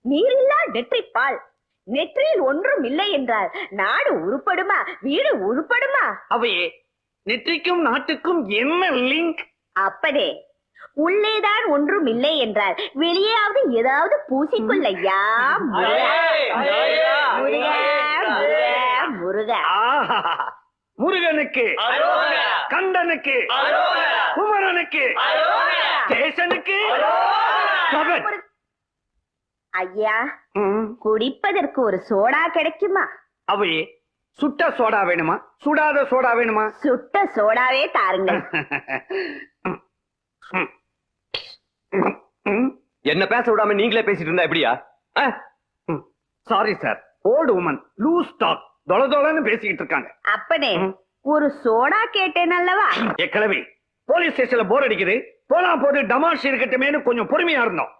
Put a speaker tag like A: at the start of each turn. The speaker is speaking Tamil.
A: நீரில்லா நெற்றிப்பால். நெற்றியில் ஒன்றும் இல்லை என்றால் நாடு உருப்படுமா, வீடு உருப்படுமா?
B: அவையே, நெற்றிக்கும் நாட்டுக்கும் என்ன லிங்க்?
A: அப்பனே, உள்ளேதான் ஒன்றும் இல்லை என்றால் வெளியாவது ஏதாவது பூசிக்கொள்ளையா. முருகா முருகா முருகா முருகா.
B: முருகனுக்கு, கந்தனுக்கு, குமரனுக்கு, கேசனுக்கு.
A: ஐயா, குடிப்பதற்கு ஒரு சோடா கிடைக்குமா?
B: அவையே, சுட்ட சோடா வேணுமா, சுடாத சோடா வேணுமா?
A: சுட்ட சோடாவே தாருங்கள்.
C: என்ன பேச விடாம நீங்களே பேசிட்டு இருந்தா எப்படியா?
B: Sorry sir, old woman loose talk, தொளதொளன்னு பேசிக்கிட்டு இருக்காங்க.
A: அப்பனே, ஒரு சோடா கேட்டேன் அல்லவா?
B: கிளவி, போலீஸ் ஸ்டேஷன்ல போர் அடிக்குது, போனா போது டமாஷ் இருக்கட்டுமேனு கொஞ்சம் பொறுமையா இருந்தோம்.